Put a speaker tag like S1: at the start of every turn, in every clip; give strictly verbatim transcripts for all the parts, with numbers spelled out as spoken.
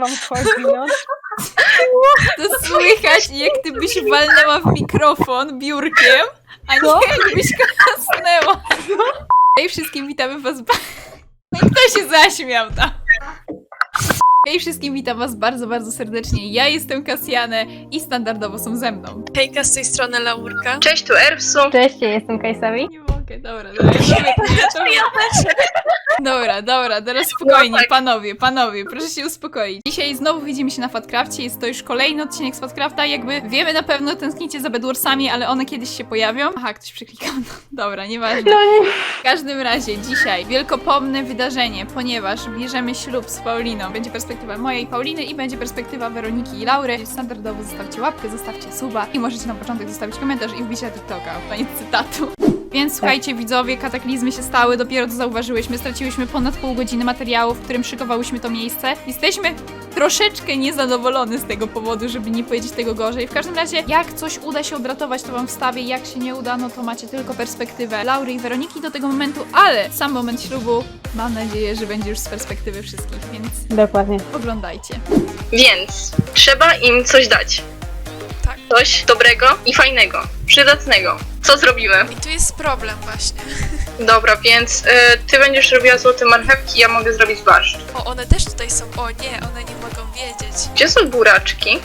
S1: wam wchodzi, no.
S2: To słychać, jak ty byś walnęła w mikrofon biurkiem, a nie
S1: Co?
S2: jakbyś kasnęła. Hej wszystkim, witamy was ba- No i kto się zaśmiał tam? Hej wszystkim, witam was bardzo, bardzo serdecznie. Ja jestem Kasjanę i standardowo są ze mną.
S3: Hejka, z tej strony Laurka.
S4: Cześć, tu Erpsu.
S1: Cześć, ja jestem Kajsawi.
S2: Nie mogę, dobra, dobra, ja to, ja to... Dobra, dobra, teraz spokojnie, panowie, panowie, proszę się uspokoić. Dzisiaj znowu widzimy się na Fatcrafcie, jest to już kolejny odcinek z Fatcrafta, jakby wiemy na pewno, tęsknicie za Bedwarsami, ale one kiedyś się pojawią. Aha, ktoś przyklikał, no, dobra, nieważne. W każdym razie, dzisiaj wielkopomne wydarzenie, ponieważ bierzemy ślub z Pauliną. Będzie perspektywa mojej Pauliny i będzie perspektywa Weroniki i Laury. Standardowo zostawcie łapkę, zostawcie suba i możecie na początek zostawić komentarz i wbić na TikToka. Koniec cytatu. Więc słuchajcie widzowie, kataklizmy się stały, dopiero to zauważyłyśmy, straciłyśmy ponad pół godziny materiału, w którym szykowałyśmy to miejsce. Jesteśmy troszeczkę niezadowolone z tego powodu, żeby nie powiedzieć tego gorzej. W każdym razie, jak coś uda się odratować, to wam wstawię, jak się nie uda, no to macie tylko perspektywę Laury i Weroniki do tego momentu, ale sam moment ślubu, mam nadzieję, że będzie już z perspektywy wszystkich, więc
S1: Dokładnie.
S2: oglądajcie.
S4: Więc trzeba im coś dać.
S3: Tak.
S4: Coś dobrego i fajnego, przydatnego. Co zrobimy?
S3: I tu jest problem właśnie.
S4: Dobra, więc y, ty będziesz robiła złote marchewki, ja mogę zrobić barszcz.
S3: O, one też tutaj są. O nie, one nie mogą wiedzieć.
S4: Gdzie są buraczki?
S3: Yy,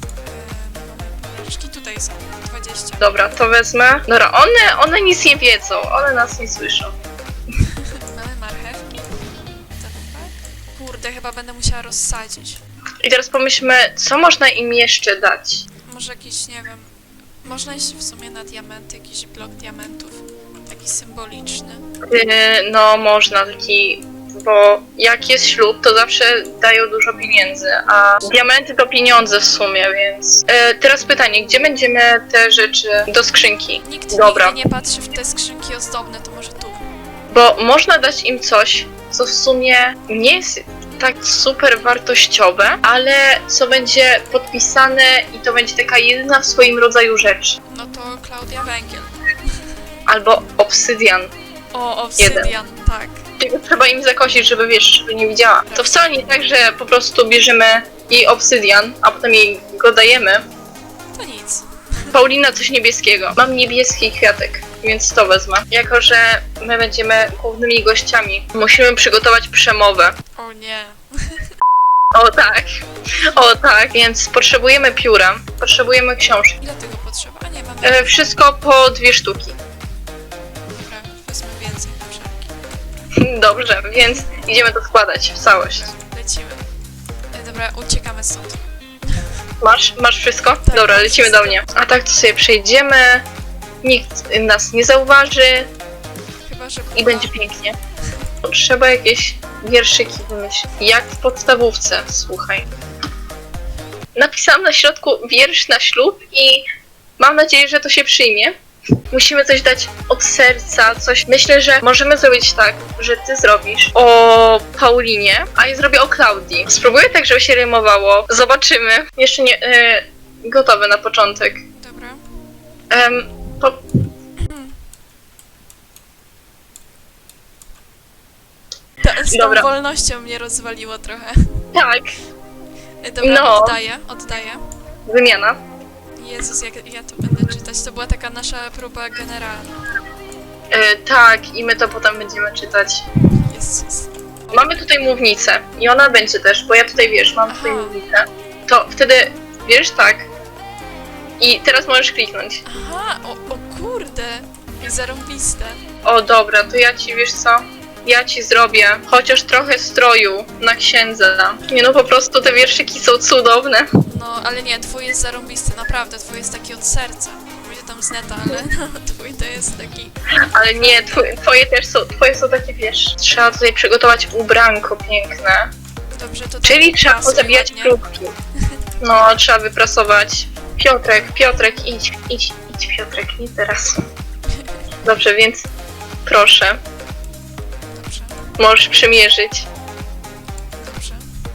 S3: Buraczki tutaj są. dwadzieścia.
S4: Dobra, to wezmę. Dobra, one, one nic nie wiedzą, one nas nie słyszą.
S3: Mamy marchewki. Tak, tak. Kurde, chyba będę musiała rozsadzić.
S4: I teraz pomyślmy, co można im jeszcze dać?
S3: Może jakiś, nie wiem. Można iść w sumie na diamenty, jakiś blok diamentów. Taki symboliczny.
S4: Y, no, można taki... Bo jak jest ślub, to zawsze dają dużo pieniędzy, a diamenty to pieniądze w sumie, więc... Y, teraz pytanie, gdzie będziemy te rzeczy do skrzynki?
S3: Nikt
S4: Dobra.
S3: nigdy nie patrzy w te skrzynki ozdobne, to może tu.
S4: Bo można dać im coś, co w sumie nie jest tak super wartościowe, ale co będzie podpisane i to będzie taka jedyna w swoim rodzaju rzecz.
S3: No to Klaudia Węgiel.
S4: Albo obsydian.
S3: O, obsydian, tak.
S4: Tylko trzeba im zakosić, żeby wiesz, żeby nie widziała. To wcale nie tak, że po prostu bierzemy jej obsydian, a potem jej go dajemy.
S3: To nic.
S4: Paulina coś niebieskiego. Mam niebieski kwiatek, więc to wezmę. Jako że my będziemy głównymi gościami, musimy przygotować przemowę.
S3: O nie.
S4: O tak, o tak, więc potrzebujemy pióra, potrzebujemy książki.
S3: Ile tego potrzeba? A nie, mamy...
S4: E, wszystko po dwie sztuki.
S3: Dobra, wezmę więcej na wszelki.
S4: Dobrze, więc idziemy to składać w całość.
S3: Lecimy. E, dobra, uciekamy stąd.
S4: Masz, masz wszystko? Dobra,
S3: mam
S4: lecimy
S3: wszystko.
S4: do mnie. A tak to sobie przejdziemy, nikt nas nie zauważy
S3: Chyba, że
S4: i będzie pięknie. Trzeba jakieś wierszyki wymyślić. Jak w podstawówce, słuchaj. Napisałam na środku wiersz na ślub i mam nadzieję, że to się przyjmie. Musimy coś dać od serca, coś. Myślę, że możemy zrobić tak, że ty zrobisz o Paulinie, a ja zrobię o Klaudii. Spróbuję tak, żeby się rymowało. Zobaczymy. Jeszcze nie... E, gotowe na początek.
S3: Dobra.
S4: Em, po...
S3: Ta, z tą
S4: Dobra.
S3: wolnością mnie rozwaliło trochę.
S4: Tak,
S3: E, dobra,
S4: No.
S3: oddaję, oddaję.
S4: wymiana.
S3: Jezus, jak ja to będę czytać. To była taka nasza próba generalna.
S4: E, tak, i my to potem będziemy czytać.
S3: Jezus.
S4: Mamy tutaj mównicę i ona będzie też, bo ja tutaj wiesz, mam tutaj
S3: Aha.
S4: mównicę. To wtedy wiesz tak. I teraz możesz kliknąć.
S3: Aha, o, o kurde. Jak zarąbiste.
S4: O dobra, to ja ci wiesz co? Ja ci zrobię chociaż trochę stroju na księdza. Nie no, po prostu te wierszyki są cudowne.
S3: No, ale nie, twój jest zarąbisty, naprawdę. Twój jest taki od serca. Będzie tam z neta, ale no, twój to jest taki...
S4: Ale nie, twoje, twoje też są, twoje są takie wiesz. Trzeba tutaj przygotować ubranko piękne.
S3: Dobrze, to...
S4: Czyli
S3: to
S4: trzeba
S3: prasuj
S4: pozabijać
S3: ładnie.
S4: próbki. No, trzeba wyprasować. Piotrek, Piotrek, idź, idź, idź Piotrek, nie teraz. Dobrze, więc proszę,
S3: Dobrze,
S4: możesz przymierzyć.
S3: dobrze.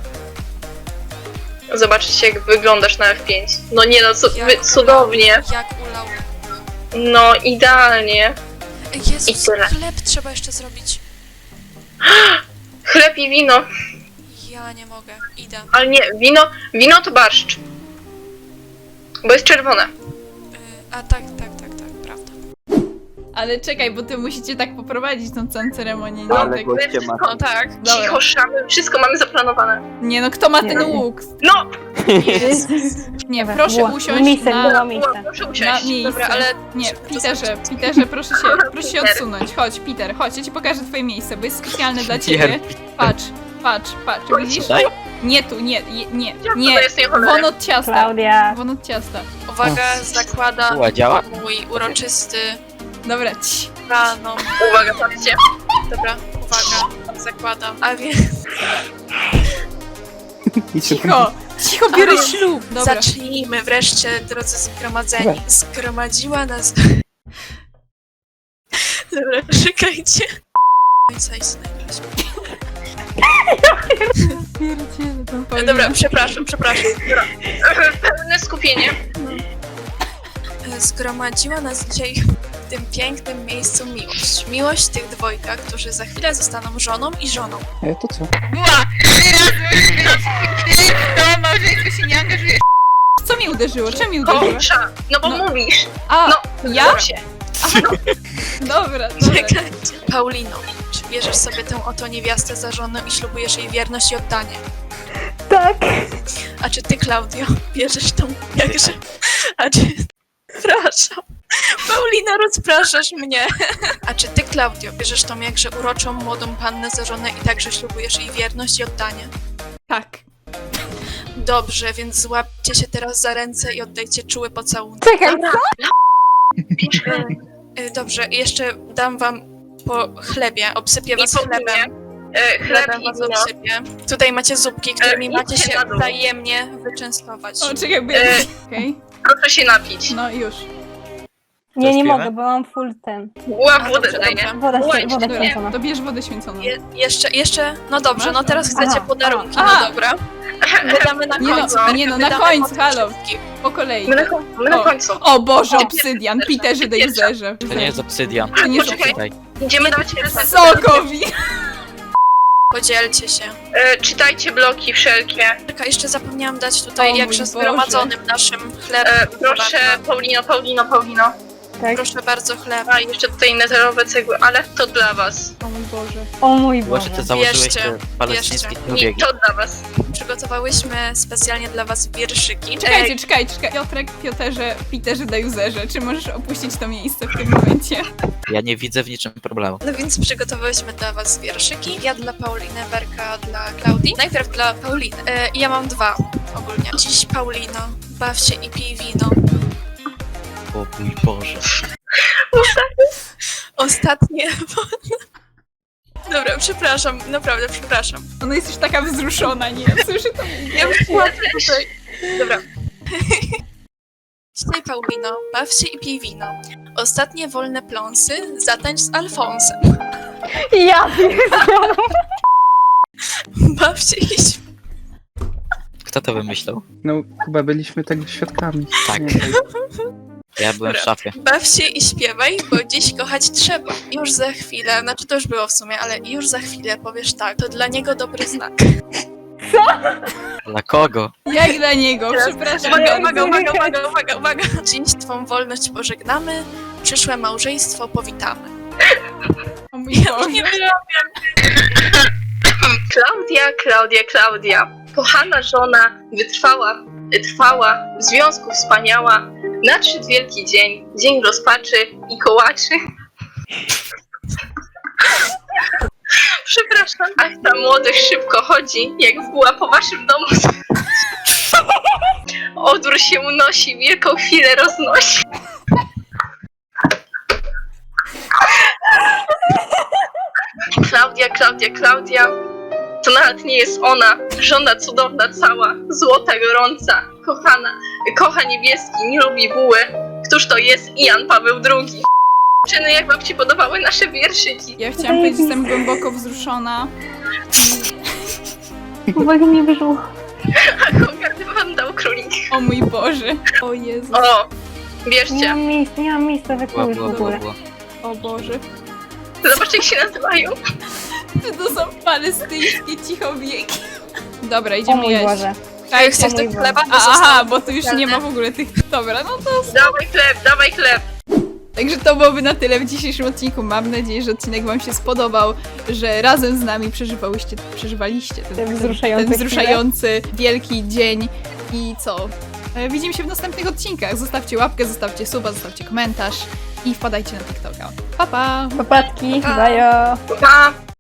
S4: Zobaczyć jak wyglądasz na F pięć. No nie no, cu-
S3: Jak
S4: wy- cudownie.
S3: Jak ulał.
S4: No, idealnie.
S3: Ej,
S4: I
S3: Jezus,
S4: tyle.
S3: chleb trzeba jeszcze zrobić.
S4: Chleb i wino.
S3: Ja nie mogę, idę.
S4: Ale nie, wino, wino to barszcz. Bo jest czerwone.
S3: Y, a tak, tak, tak, tak, prawda.
S2: Ale czekaj, bo ty musicie tak poprowadzić tą całą ceremonię, nie?
S5: Ale
S2: Tak,
S5: goście ma.
S3: No tak.
S2: Dobra.
S4: Cicho, szamy, wszystko mamy zaplanowane.
S2: nie no, kto ma ten
S1: Nie.
S2: łuk?
S4: No!
S2: Nie,
S1: Dobra,
S2: proszę
S1: było-
S2: usiąść
S1: miejsce,
S2: na,
S1: było
S4: Ła,
S1: miejsce.
S4: proszę
S2: na
S4: usiąść.
S2: miejsce.
S3: Dobra, ale...
S2: Nie,
S3: to
S2: Peterze,
S3: znaczy-
S2: Peterze, proszę się, proszę się
S4: Peter.
S2: odsunąć. Chodź, Peter, chodź, ja ci pokażę twoje miejsce, bo jest specjalne dla ciebie. Patrz, patrz, patrz, widzisz?
S5: Daj.
S2: Nie tu, nie, nie, nie,
S4: Jak
S2: nie.
S4: to jest nie cholera?
S2: Won od ciasta,
S1: Klaudia.
S2: won od ciasta.
S3: Uwaga, zakładam
S5: Była działa?
S3: mój uroczysty
S2: Dobra, ci.
S3: raną.
S4: Uwaga, patrzcie.
S3: Dobra, uwaga, zakładam. A więc
S2: Cicho, cicho, biorę
S3: Ale-
S2: ślub. Dobra.
S3: zacznijmy wreszcie, drodzy zgromadzeni. Zgromadziła nas... Dobra, czekajcie. No i co jest najlepsze?
S2: Pierdziele, to
S3: E,
S2: Paulina.
S3: Dobra, przepraszam, przepraszam.
S4: Pełne skupienie.
S3: E, Zgromadziła nas dzisiaj w tym pięknym miejscu miłość. Miłość tych dwojga, którzy za chwilę zostaną żoną i żoną.
S5: E, to co?
S2: Była! To małżeństwo się nie angażuje. Co mi uderzyło? Czym mi uderzyło?
S4: Kończa. No bo
S2: No.
S4: mówisz.
S2: A,
S4: No,
S2: ja?
S4: Się.
S2: Dobra, dobra.
S3: Czekajcie. Paulino, czy bierzesz sobie tę oto niewiastę za żonę i ślubujesz jej wierność i oddanie?
S1: Tak.
S3: A czy ty, Klaudio, bierzesz tą jakże... A czy... Przepraszam. Paulina, rozpraszasz mnie. A czy ty, Klaudio, bierzesz tą jakże uroczą, młodą pannę za żonę i także ślubujesz jej wierność i oddanie?
S2: Tak.
S3: Dobrze, więc złapcie się teraz za ręce i oddajcie czuły pocałunek.
S1: Czekaj, co?
S3: E, Dobrze, jeszcze dam wam po chlebie, obsypię was
S4: I po
S3: chlebem.
S4: E, chleb
S3: Chlebem
S4: i
S3: was
S4: wino.
S3: obsypię. Tutaj macie zupki, którymi
S4: E,
S3: macie
S4: idźcie
S3: się
S4: na dół.
S3: wzajemnie wyczęstować.
S2: O, czekaj, bo ja...
S4: E.
S2: Okej,
S4: Proszę się napić.
S2: no już.
S1: Nie, nie
S5: Coś
S1: mogę,
S5: pijemy?
S1: bo mam full ten.
S4: Ła,
S3: A,
S4: wodę
S3: dobrze,
S4: daj,
S3: dobrze.
S4: nie?
S1: Woda,
S4: Oj,
S1: się, woda
S2: Dobra,
S1: święcona.
S2: to bierz wodę święconą.
S3: Je, jeszcze, jeszcze, no dobrze,
S2: Masz?
S3: no teraz chcecie
S1: Aha,
S3: podarunki,
S2: aha.
S3: no dobra. Wydamy na
S2: Nie no,
S3: końcu.
S2: nie no, na
S3: Wydamy
S2: końcu,
S3: potem
S2: halo.
S3: wszystkich.
S2: Po kolei.
S4: My na, końcu, my na
S2: O.
S4: końcu.
S2: O Boże,
S4: O,
S2: obsydian,
S4: pierwsza,
S2: Peterze de
S4: pierwsza.
S2: Jezerze.
S5: To nie jest obsydian.
S2: To nie jest
S4: Poczekaj.
S5: Tutaj.
S4: Idziemy dawać receptę.
S2: Sokowi!
S3: Podzielcie się.
S4: E, czytajcie bloki wszelkie.
S3: Czekaj, jeszcze zapomniałam dać tutaj
S2: O mój
S3: jakże
S2: Boże.
S3: zgromadzonym naszym chlebem.
S4: E, proszę, Paulino, Paulino, Paulino.
S1: Tak.
S3: Proszę bardzo, chleb.
S4: A jeszcze tutaj neterowe cegły, ale to dla was.
S2: O mój Boże.
S1: O mój
S5: Może
S1: Boże.
S5: ty założyłeś
S3: Bierzcie,
S5: te palestyńskie
S3: bierzcie.
S4: Nie,
S5: obiegi.
S4: to dla was.
S3: Przygotowałyśmy specjalnie dla was wierszyki.
S2: Czekajcie,
S3: Ej,
S2: czekajcie, czekajcie. Piotrek, Pioterze, Peterze de Jezerze, czy możesz opuścić to miejsce w tym momencie?
S5: Ja nie widzę w niczym problemu.
S3: No więc przygotowałyśmy dla was wierszyki. Ja dla Pauliny, Werka dla Klaudii. Najpierw dla Pauliny. E, ja mam dwa ogólnie. Dziś Paulino, baw się i pij wino.
S5: O mój Boże.
S3: Ostatnie. Dobra, przepraszam, naprawdę przepraszam.
S2: Ona jest już taka wzruszona, nie? Słyszę to.
S3: Ja już płaczę tutaj. Dobra. Dzisiaj Paulino, baw się i pij wino. Ostatnie wolne pląsy, zatańcz z Alfonsem.
S1: Ja
S3: Baw się i śp-
S5: Kto to wymyślał?
S6: No, chyba byliśmy tego świadkami.
S5: Tak.
S6: Nie wiem.
S5: Ja byłem w szafie.
S3: baw się i śpiewaj, bo dziś kochać trzeba. Już za chwilę, znaczy to już było w sumie, ale już za chwilę powiesz tak, to dla niego dobry znak.
S5: Dla kogo?
S2: Jak dla niego, przepraszam.
S3: Uwaga, uwaga, uwaga, uwaga, uwaga, uwaga. Dziś twą wolność pożegnamy, przyszłe małżeństwo powitamy.
S2: O mój Boże.
S3: Nie wiem.
S4: Klaudia, Klaudia, Klaudia. Kochana żona, wytrwała, trwała, w związku wspaniała. Nadszedł wielki dzień, dzień rozpaczy i kołaczy. Przepraszam, ach ta młodość szybko chodzi, jak mgła po waszym domu. Odór się unosi, wielką chwilę roznosi. Klaudia, Klaudia, Klaudia. To nawet nie jest ona, żona cudowna cała, złota gorąca, kochana, kocha niebieski, nie lubi buły. Któż to jest Jan Paweł drugi? Czyny, jak wam się podobały nasze wierszyki?
S2: Ja chciałam powiedzieć, że jestem głęboko wzruszona.
S1: Uwaga, mnie wyszło.
S4: A kogardy wam dał królik.
S2: O mój Boże. O Jezu.
S4: O,
S1: Nie
S4: bierzcie.
S1: mam miejsca, nie mam miejsca we
S5: Była,
S1: kółek w
S5: była, była,
S1: ogóle.
S5: była.
S2: O Boże.
S4: Zobaczcie, jak się nazywają.
S2: Czy to są palestyńskie cichowieki? Dobra,
S1: O
S2: idziemy
S1: mój
S2: jeść.
S1: Boże.
S2: Czekajcie.
S3: Chcesz
S1: mój
S3: do
S1: Boże.
S3: chleba?
S2: A,
S3: zostało
S2: aha, bo tu już nie
S3: powiedziane.
S2: ma w ogóle tych... Dobra, no to...
S4: Dawaj chleb, dawaj chleb!
S2: Także to byłoby na tyle w dzisiejszym odcinku. Mam nadzieję, że odcinek wam się spodobał, że razem z nami przeżywałyście, przeżywaliście ten,
S1: Ten wzruszający
S2: ten wzruszający wielki dzień. I co? E, Widzimy się w następnych odcinkach. Zostawcie łapkę, zostawcie suba, zostawcie komentarz i wpadajcie na TikToka. Pa, pa!
S1: Papatki,
S3: Pa.
S1: bajo.
S4: Pa!